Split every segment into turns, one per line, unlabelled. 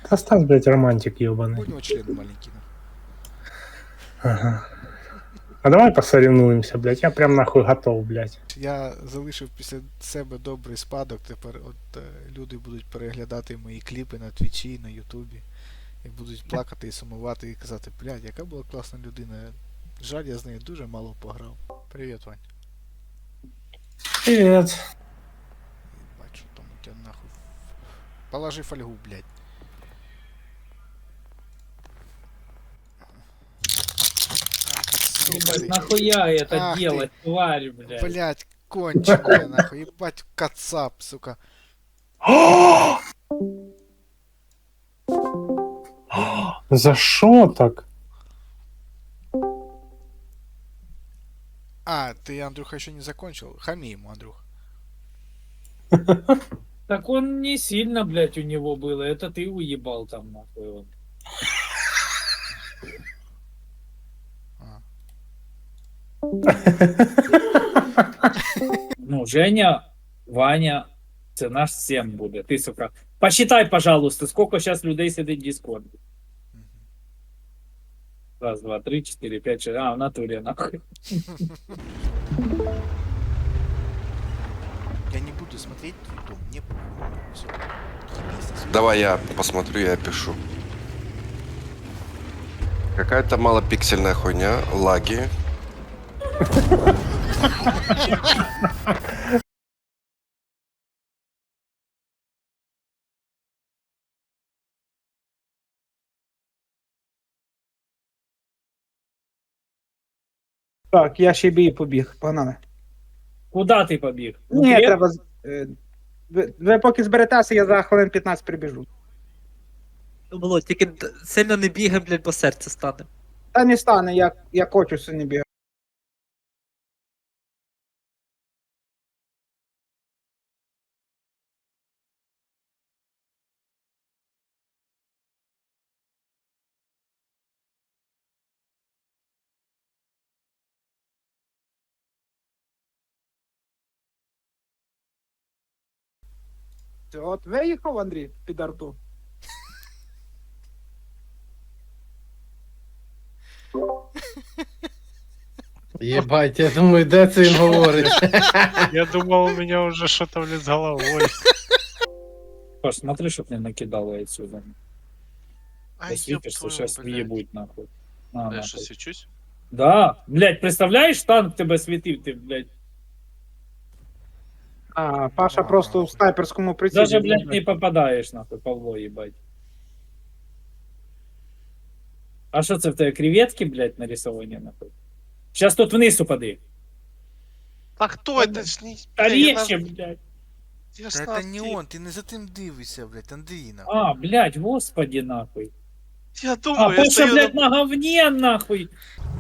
Остав, блядь, романтик ебаный.
У него член маленький.
Ага. А давай посоревнуемся, блядь. Я прям нахуй готов, блядь.
Я залишив після себе добрий спадок. Тепер люди будуть переглядати мої кліпи на Твічі, на Ютубі. І будуть плакати і сумувати і казати, блядь, яка була класна людина. Жаль, я з нею дуже мало пограв. Привіт, Вань.
Привет.
Бачу, там у тебя нахуй. Положи фольгу, блядь.
Ебать, нахуя это
Ах ты.
делать, тварь, блядь?
Блядь, конченая нахуй, ебать, кацап, сука.
За что так?
А, ты, Андрюха, еще не закончил? Хами ему, Андрюх.
Так он не сильно, блядь, у него было. Это ты уебал там, нахуй. Вот.
А.
Ну, Женя, Ваня, це наш всем буде. Ти, сука. Посчитай, пожалуйста, сколько сейчас людей сидит в Дискорде.
Мгм.
Раз, два, три, четыре, пять, шесть. А, в натуре, нахуй.
Я не буду смотреть твой дом, мне все.
Давай я посмотрю, я пишу. Какая-то малопиксельная хуйня, лаги.
Так, я ще бій побіг, погнали.
Куда ти побіг?
Ні,
Креп?
треба. Ви поки зберетеся, я за хвилин 15 прибіжу.
Було, тільки сильно не бігай, блядь, бо серце стане.
Та не стане, я хочу сьогодні бігати. От виїхав, Андрій, під арту.
Ебать, я думаю, де це він говорить?
Я думал, у меня уже что-то, блин, с головой.
Паш, смотри, чтоб не накидало отсюда.
Ай, ёб
Посвітишься,
твою,
сейчас
блядь.
въебуть, нахуй. На,
Я
нахуй.
что, свечусь?
Да, блядь, представляешь, танк тебе світив, ти, блядь.
А, Паша просто в снайперському прицілі.
Даже, блядь, не попадаешь, нахуй, Павло, ебать. А що це в тебе креветки, блядь, нарисовані, нахуй? Сейчас тут вниз упади.
А кто это ж не...
Та
Бля, я
легче,
на-
блядь.
я ж
Да
на
это не
ти-
он, ты не за тим дивишся, блядь, Андрій, нахуй.
А, блядь, господи, нахуй.
Я
А,
думаю, я
Паша,
стою
блядь,
на...
на говне, нахуй.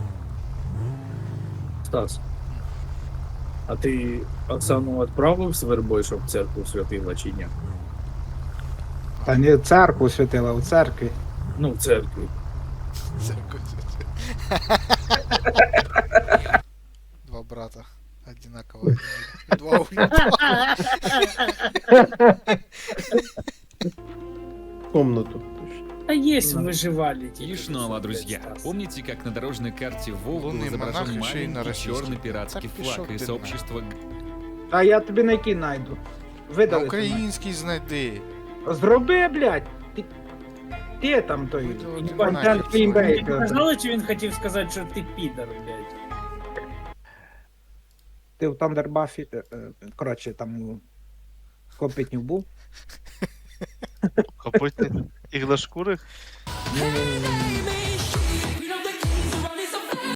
Стас, а ты Оксану отправив з вербою, щоб в церкву святила чи ні?
Та не в церкву святила, у церкві.
Ну, в церкві.
Два брата. Одинаково. Два уебала.
Комнату.
А есть выживали.
И снова, друзья, помните, как на дорожной карте Вов был
Лунный монах
изображен
еще и на
маленький
российском.
черный пиратский
Так пішов
флаг, и
ти
сообщество
Та я тобі на який найду.
На
Видали.
український знайди.
Зроби, блядь. Ти там той.
Видали,
Контент
ти
Феймбейк.
Казали, чи він хотів сказати, що ти підар, блядь?
Ти в Тандербафі, коротше, там у Копитнів був.
Копытный. Иглошкурых?
Ні-ні-ні.